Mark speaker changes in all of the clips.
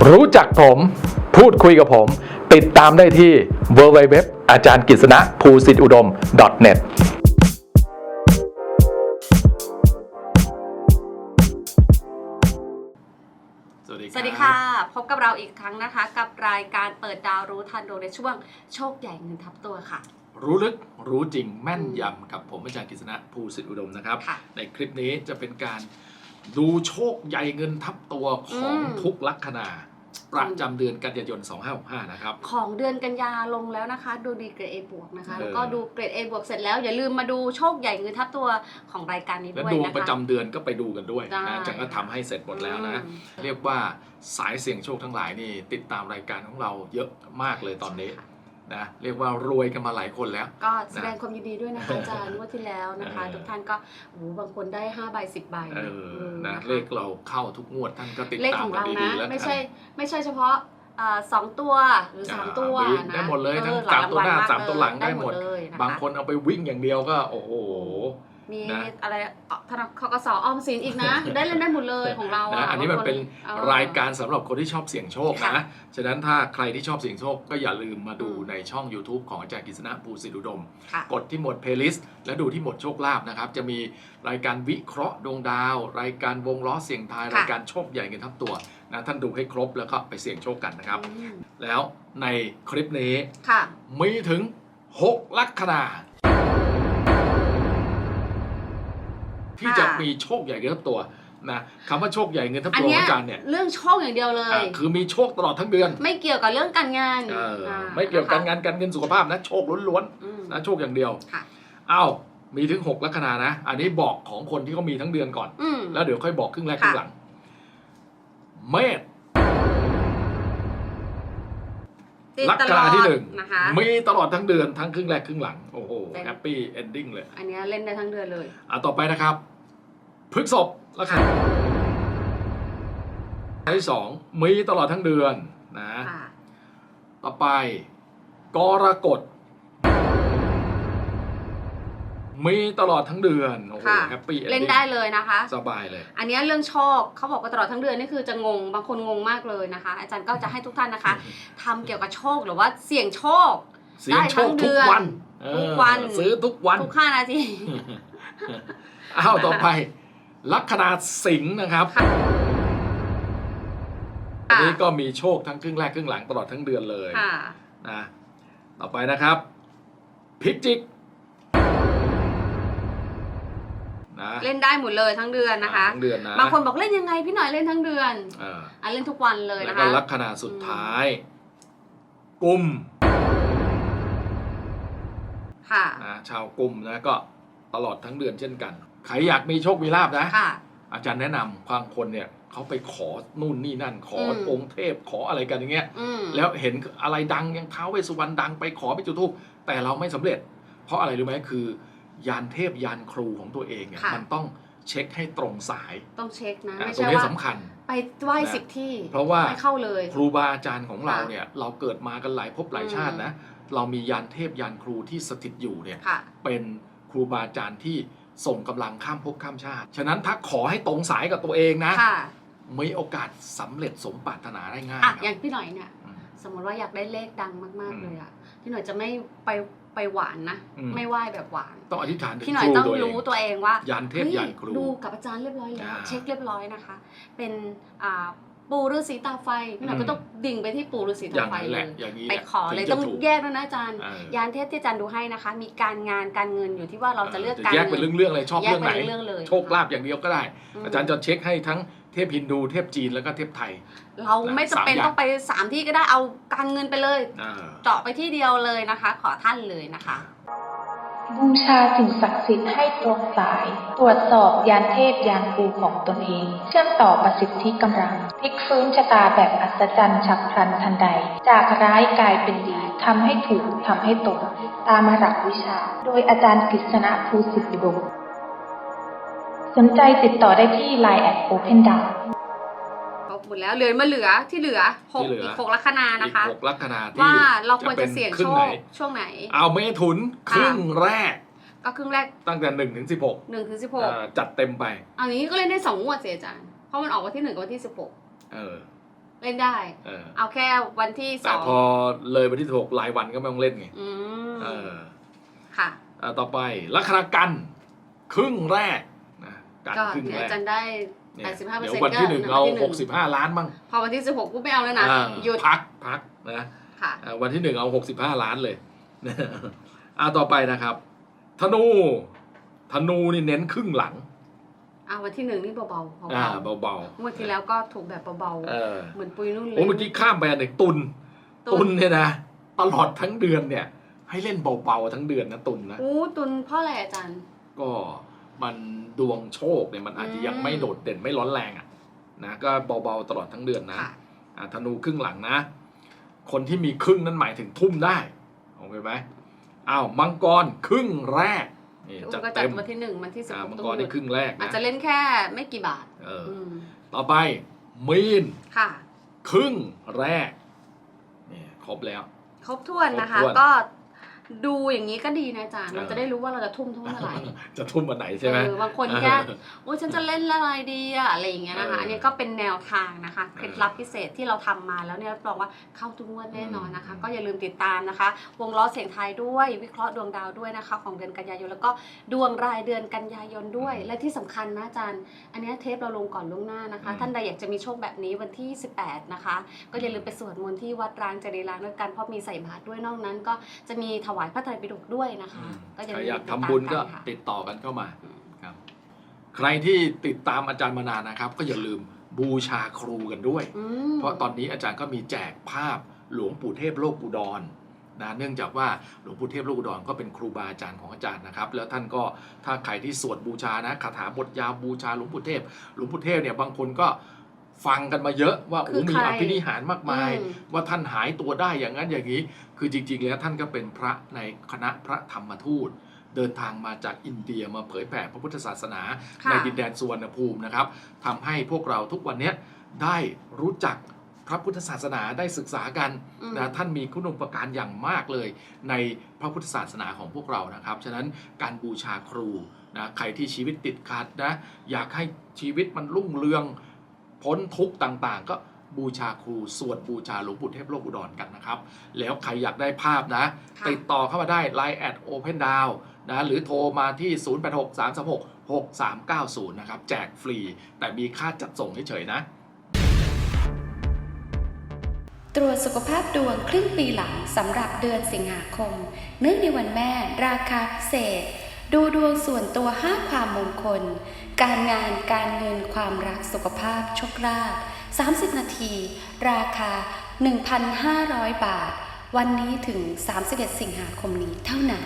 Speaker 1: รู้จักผมพูดคุยกับผมติดตามได้ที่ www อาจารย์กฤษณะภูสิทธิอุดม .net
Speaker 2: สวัสดีค่ะพบกับเราอีกครั้งนะคะกับรายการเปิดดาวรู้ทันดวงในช่วงโชคใหญ่เงินทับตัวค่ะ
Speaker 1: รู้ลึกรู้จริงแม่นยำกับผมอาจารย์กฤษณะภูสิทธิอุดมนะครับในคลิปนี้จะเป็นการดูโชคใหญ่เงินทับตัวของทุกลัคนาประจำเดือนกันยายน 2565 นะครับ
Speaker 2: ของเดือนกันยาลงแล้วนะคะดูดีเกรด A บวกนะคะแล้วก็ดูเกรด A บวกเสร็จแล้วอย่าลืมมาดูโชคใหญ่เงินทับตัวของรายการนี้ด้วยนะคะ
Speaker 1: และดวงประจำเดือนก็ไปดูกันด้วยนะจังก็ทำให้เสร็จหมดแล้วนะเรียกว่าสายเสี่ยงโชคทั้งหลายนี่ติดตามรายการของเราเยอะมากเลยตอนนี้นะเรียกว่ารวยกันมาหลายคนแล้ว
Speaker 2: ก็แสดงความยินดีด้วยนะคะอาจารย์งวดที่แล้วนะคะทุกท่านก็บางคนได้5 ใบ 10 ใบ
Speaker 1: นะเลขเราเข้าทุกงวดท่านก็ติดตามกันดีๆแล้ว
Speaker 2: ไม่ใช่เฉพาะ2 ตัวหรือ3 ตัวนะ
Speaker 1: ได้หมดเลยทั้ง3ตัวหน้า3ตัวหลังได้หมดบางคนเอาไปวิ่งอย่างเดียวก็โอ้โห
Speaker 2: มีอะไรธนาคารกส.ออมสินอีกนะได้เล่นได้หมดเลยของเรา
Speaker 1: อันนี้มันเป็นรายการสำหรับคนที่ชอบเสี่ยงโชคนะฉะนั้นถ้าใครที่ชอบเสี่ยงโชคก็อย่าลืมมาดูในช่อง YouTube ของอาจารย์กฤษณะภูสิทธิอุดมกดที่หมวด Playlist และดูที่หมวดโชคลาภนะครับจะมีรายการวิเคราะห์ดวงดาวรายการวงล้อเสี่ยงทายรายการโชคใหญ่เงินทับตัวนะท่านดูให้ครบแล้วก็ไปเสี่ยงโชคกันนะครับแล้วในคลิปนี้มีถึง6 ลัคนาที่จะมีโชคใหญ่เงินทับตัวนะคำว่าโชคใหญ่เงินทับตัวของอาจารย์เนี่ย
Speaker 2: เรื่องโชคอย่างเดียวเลย
Speaker 1: คือมีโชคตลอดทั้งเดือน
Speaker 2: ไม่เกี่ยวกับเรื่องการงาน
Speaker 1: ไม่เกี่ยวกับการงานการเงินสุขภาพนะโชคล้วนๆนะโชคอย่างเดียวอ้าวมีถึง6 ลัคนานะอันนี้บอกของคนที่เขามีทั้งเดือนก่อนแล้วเดี๋ยวค่อยบอกครึ่งแรกครึ่งหลังเมษลัคนาที่1มีตลอดทั้งเดือนทั้งครึ่งแรกครึ่งหลังโอ้โหแฮปปี้เอนดิ้งเลย
Speaker 2: อันนี้เล่นได้ทั้งเดือนเลย
Speaker 1: ต่อไปนะครับพฤษภลัคนาที่2มีตลอดทั้งเดือนนะต่อไปกรกฎมีตลอดทั้งเดือนโอ้โหแฮปปี้
Speaker 2: เล่นได้เลยนะคะ
Speaker 1: สบายเลย
Speaker 2: อันนี้เรื่องโชคเขาบอกว่าตลอดทั้งเดือนนี่คือจะงงบางคนงงมากเลยนะคะอาจารย์ก็จะให้ทุกท่านนะคะทำเกี่ยวกับโชคหรือว่าเสี่ยงโชค
Speaker 1: ได้ทั้งเดือนทุกวันซื้อทุกวัน
Speaker 2: ทุก5 นาที
Speaker 1: ต่อไปลัคนาสิงห์นะครับอันนี้ก็มีโชคทั้งครึ่งแรกครึ่งหลังตลอดทั้งเดือนเลยนะต่อไปนะครับพิจิก
Speaker 2: เล่นได้หมดเลยทั้งเดือนนะคะ
Speaker 1: ทั้งเดือนนะ
Speaker 2: บางคนบอกเล่นยังไงพี่หน่อยเล่นทั้งเดือนเล่นทุกวันเลยนะคะ
Speaker 1: แล้วก็ลัคนาสุดท้ายกุมชาวกุมนะก็ตลอดทั้งเดือนเช่นกันใครอยากมีโชคมีลาภนะอาจารย์แนะนำบางคนเนี่ยเขาไปขอนู่นนี่นั่นขอองค์เทพขออะไรกันอย่างเงี้ยแล้วเห็นอะไรดังยังท้าวเวสสุวรรณดังไปขอไปจุดธูปแต่เราไม่สำเร็จเพราะอะไรรู้ไหมคือยานเทพยานครูของตัวเองเนี่ยมันต้องเช็คให้ตรงสาย
Speaker 2: ต้องเช็คนะไม่
Speaker 1: ใช่ว่าสำคัญ
Speaker 2: ไปไหว้10 ที่
Speaker 1: เพราะว่า
Speaker 2: ไม่เข้าเลย
Speaker 1: ครูบาอาจารย์ของเราเนี่ยเราเกิดมากันหลายภพหลายชาตินะเรามียานเทพยานครูที่สถิตอยู่เนี่ยเป็นครูบาอาจารย์ที่ส่งกำลังข้ามภพข้ามชาติฉะนั้นถ้าขอให้ตรงสายกับตัวเองนะมีโอกาสสำเร็จสมปรารถนาได้ง่าย
Speaker 2: อย่างพี่หน่อยเนี่ยสมมติว่าอยากได้เลขดังมากๆเลยอ่ะพี่หน่อยจะไม่ไปหวานนะไม่ไหว้แบบหวาน
Speaker 1: ต้องอธิษฐาน
Speaker 2: พี่หน่อยต้องรู้ตัวเองว่าย
Speaker 1: านเทพยานครู
Speaker 2: ดูกับอาจารย์เรียบร้อยแล้วเช็คเรียบร้อยนะคะเป็นปู่ฤาษีตาไฟพี่หน่อยก็ต้องดิ่งไปที่ปู่ฤาษีตาไฟเลยไปขอเลยต้องแยกด้วยนะอาจารย์ยานเทพที่อาจารย์ดูให้นะคะมีการงานการเงินอยู่ที่ว่าเราจะเลือกการ
Speaker 1: แยกเป็นเรื่องๆเลยชอบเรื่องไหนโชคลาภอย่างเดียวก็ได้อาจารย์จะเช็คให้ทั้งเทพฮินดูเทพจีนแล้วก็เทพไทย
Speaker 2: เราไม่จำเป็นต้องไป3 ที่ก็ได้เอาการเงินไปเลยเจาะไปที่เดียวเลยนะคะขอท่านเลยนะคะ
Speaker 3: บูชาสิ่งศักดิ์สิทธิ์ให้ตรงสายตรวจสอบยานเทพยานครูของตนเองเชื่อมต่อประสิทธิกำลังพลิกฟื้นชะตาแบบอัศจรรย์ฉับพลันทันใดจากร้ายกลายเป็นดีทำให้ถูกทำให้ตรงตามหลักวิชาโดยอาจารย์กฤษณะภูสิทธิอุดมสนใจติดต่อได้ที่ LINE @OpenDown
Speaker 2: หมดแล้วเหลือที่เหลืออีก6 ลัคนานะคะ
Speaker 1: อีก6 ลัคนาที่
Speaker 2: ว่าเราควรจะเสี่ยงโชคช่วงไหน
Speaker 1: เอาเมถุนครึ่งแรก
Speaker 2: ก็ครึ่งแรก
Speaker 1: ตั้งแต่1 ถึง 16จัดเต็มไป
Speaker 2: อันนี้ก็เล่นได้2 งวดเสียอาจารย์เพราะมันออกวันที่1กับวันที่16 เล่นได้เอาแค่วันที่2แต่
Speaker 1: พอเลยวันที่6รายวันก็ไม่ต้องเล่นไง
Speaker 2: ค่ะ
Speaker 1: ต่อไปลัคนากันครึ่งแรกนะ
Speaker 2: การครึ่งแรกจันได้85%
Speaker 1: เดี๋ยววันที่1เอา65 ล้านบ้าง
Speaker 2: พอวันที่16กูไม่เอาแล้วนะ
Speaker 1: หยุดพักนะวันที่1เอา65 ล้านเลยต่อไปนะครับธนูนี่เน้นครึ่งหลัง
Speaker 2: วันที่1นี่เบาๆเ
Speaker 1: บา
Speaker 2: ๆงวดที่แล้วก็ถูกแบบเบาๆเหมือนปุยนุ่นเลย
Speaker 1: เมื่อกี้ข้ามไปอันหนึ่งตุนเนี่ยนะตลอดทั้งเดือนเนี่ยให้เล่นเบาๆทั้งเดือนนะตุนนะ
Speaker 2: ตุนเพราะอะไรอาจารย์
Speaker 1: ก็มันดวงโชคเนี่ยมันอาจจะยังไม่โดดเด่นไม่ร้อนแรงนะก็เบาๆตลอดทั้งเดือนนะธนูครึ่งหลังนะคนที่มีครึ่งนั้นหมายถึงทุ่มได้โอเคไหมมังกรครึ่งแรก
Speaker 2: จัดเต็มวันที่1วันที่16
Speaker 1: มังกรในครึ่งแรก
Speaker 2: อาจจะเล่นแค่ไม่กี่บาท
Speaker 1: ต่อไปมีน
Speaker 2: ค่ะ
Speaker 1: ครึ่งแรกนี่ครบแล้ว
Speaker 2: ครบถ้วนนะคะก็ดูอย่างนี้ก็ดีนะอาจารย์เราจะได้รู้ว่าเราจะทุ่มเท่าไหร่
Speaker 1: จะทุ่มวันไหนใช่ไหม
Speaker 2: บางคนแค่ฉันจะเล่นอะไรดีอะไรอย่างเงี้ยนะคะอันนี้ก็เป็นแนวทางนะคะเคล็ดลับพิเศษที่เราทำมาแล้วเนี่ยรับรองว่าเข้าทุกงวดแน่นอนนะคะก็อย่าลืมติดตามนะคะวงล้อเสียงไทยด้วยวิเคราะห์ดวงดาวด้วยนะคะของเดือนกันยายนแล้วก็ดวงรายเดือนกันยายนด้วยและที่สำคัญนะอาจารย์อันนี้เทปเราลงก่อนล่วงหน้านะคะท่านใดอยากจะมีโชคแบบนี้วันที่18นะคะก็อย่าลืมไปสวดมนต์ที่วัดร้างจรีรางด้วยกันเพราะมีใส่บาตรด้วยนอกนั้นก็จะมีถวายพระไตรปิฎกด้วยนะคะ
Speaker 1: ก็อยากทำบุญก็ติดต่อกันเข้ามาครับใครที่ติดตามอาจารย์มานานนะครับก็อย่าลืมบูชาครูกันด้วยเพราะตอนนี้อาจารย์ก็มีแจกภาพหลวงปู่เทพโลกอุดรนะเนื่องจากว่าหลวงปู่เทพโลกอุดรก็เป็นครูบาอาจารย์ของอาจารย์นะครับแล้วท่านก็ถ้าใครที่สวดบูชานะคาถาบทยาวบูชาหลวงปู่เทพเนี่ยบางคนก็ฟังกันมาเยอะว่ามีอภินิหารมากมายว่าท่านหายตัวได้อย่างนั้นอย่างนี้คือจริงๆแล้วท่านก็เป็นพระในคณะพระธรรมทูตเดินทางมาจากอินเดียมาเผยแผ่พระพุทธศาสนาในดินแดนสุวรรณภูมินะครับทำให้พวกเราทุกวันนี้ได้รู้จักพระพุทธศาสนาได้ศึกษากันนะท่านมีคุณูปการอย่างมากเลยในพระพุทธศาสนาของพวกเรานะครับฉะนั้นการบูชาครูนะใครที่ชีวิตติดขัดนะอยากให้ชีวิตมันรุ่งเรืองพ้นทุกข์ต่างๆก็บูชาครูสวดบูชาหลวงปู่เทพโลกอุดรกันนะครับแล้วใครอยากได้ภาพนะติดต่อเข้ามาได้ Line @opendown นะหรือโทรมาที่0863366390นะครับแจกฟรีแต่มีค่าจัดส่งเฉยๆนะ
Speaker 4: ตรวจสุขภาพดวงครึ่งปีหลังสำหรับเดือนสิงหาคมเนื่องในวันแม่ราคาพิเศษดูดวงส่วนตัว5ความมงคลการงานการเงินความรักสุขภาพโชคลาภ30 นาทีราคา 1,500 บาทวันนี้ถึง31 สิงหาคมนี้เท่านั้น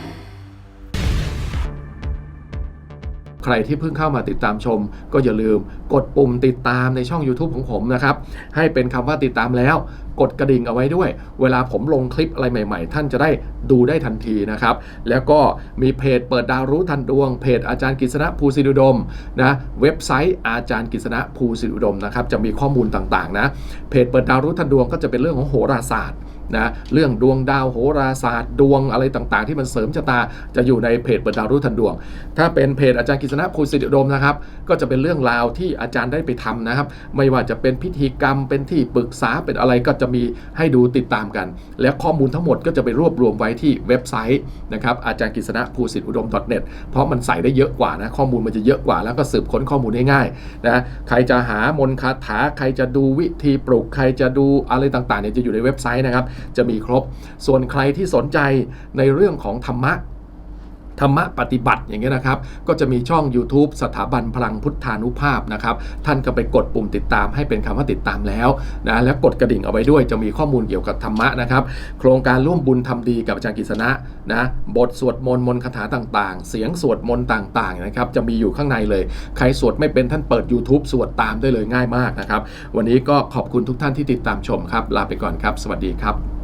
Speaker 1: ใครที่เพิ่งเข้ามาติดตามชมก็อย่าลืมกดปุ่มติดตามในช่อง YouTube ของผมนะครับให้เป็นคำว่าติดตามแล้วกดกระดิ่งเอาไว้ด้วยเวลาผมลงคลิปอะไรใหม่ๆท่านจะได้ดูได้ทันทีนะครับแล้วก็มีเพจเปิดดาวรู้ทันดวงเพจอาจารย์กฤษณะภูสิริอุดมนะเว็บไซต์อาจารย์กฤษณะภูสิริอุดมนะครับจะมีข้อมูลต่างๆนะเพจเปิดดาวรู้ทันดวงก็จะเป็นเรื่องของโหราศาสตร์นะเรื่องดวงดาวโหราศาสตร์ดวงอะไรต่างๆที่มันเสริมชะตาจะอยู่ในเพจเปิดดาวรู้ทันดวงถ้าเป็นเพจอาจารย์กฤษณะภูสิริอุดมนะครับก็จะเป็นเรื่องราวที่อาจารย์ได้ไปทำนะครับไม่ว่าจะเป็นพิธีกรรมเป็นที่ปรึกษาเป็นอะไรก็จะมีให้ดูติดตามกันและข้อมูลทั้งหมดก็จะไปรวบรวมไว้ที่เว็บไซต์นะครับอาจารย์กฤษณะภูสิริอุดม .net เพราะมันใส่ได้เยอะกว่านะข้อมูลมันจะเยอะกว่าแล้วก็สืบค้นข้อมูลได้ง่ายนะใครจะหามนต์คาถาใครจะดูวิธีปลุกใครจะดูอะไรต่างๆเนี่ยจะอยู่ในเว็บไซต์นะครับจะมีครบส่วนใครที่สนใจในเรื่องของธรรมะปฏิบัติอย่างเงี้ยนะครับก็จะมีช่อง YouTube สถาบันพลังพุทธานุภาพนะครับท่านก็ไปกดปุ่มติดตามให้เป็นคำว่าติดตามแล้วนะแล้วกดกระดิ่งเอาไว้ด้วยจะมีข้อมูลเกี่ยวกับธรรมะนะครับโครงการร่วมบุญทำดีกับอาจารย์กฤษณะนะบทสวดมนต์คาถาต่างๆเสียงสวดมนต์ต่างๆนะครับจะมีอยู่ข้างในเลยใครสวดไม่เป็นท่านเปิด YouTube สวดตามได้เลยง่ายมากนะครับวันนี้ก็ขอบคุณทุกท่านที่ติดตามชมครับลาไปก่อนครับสวัสดีครับ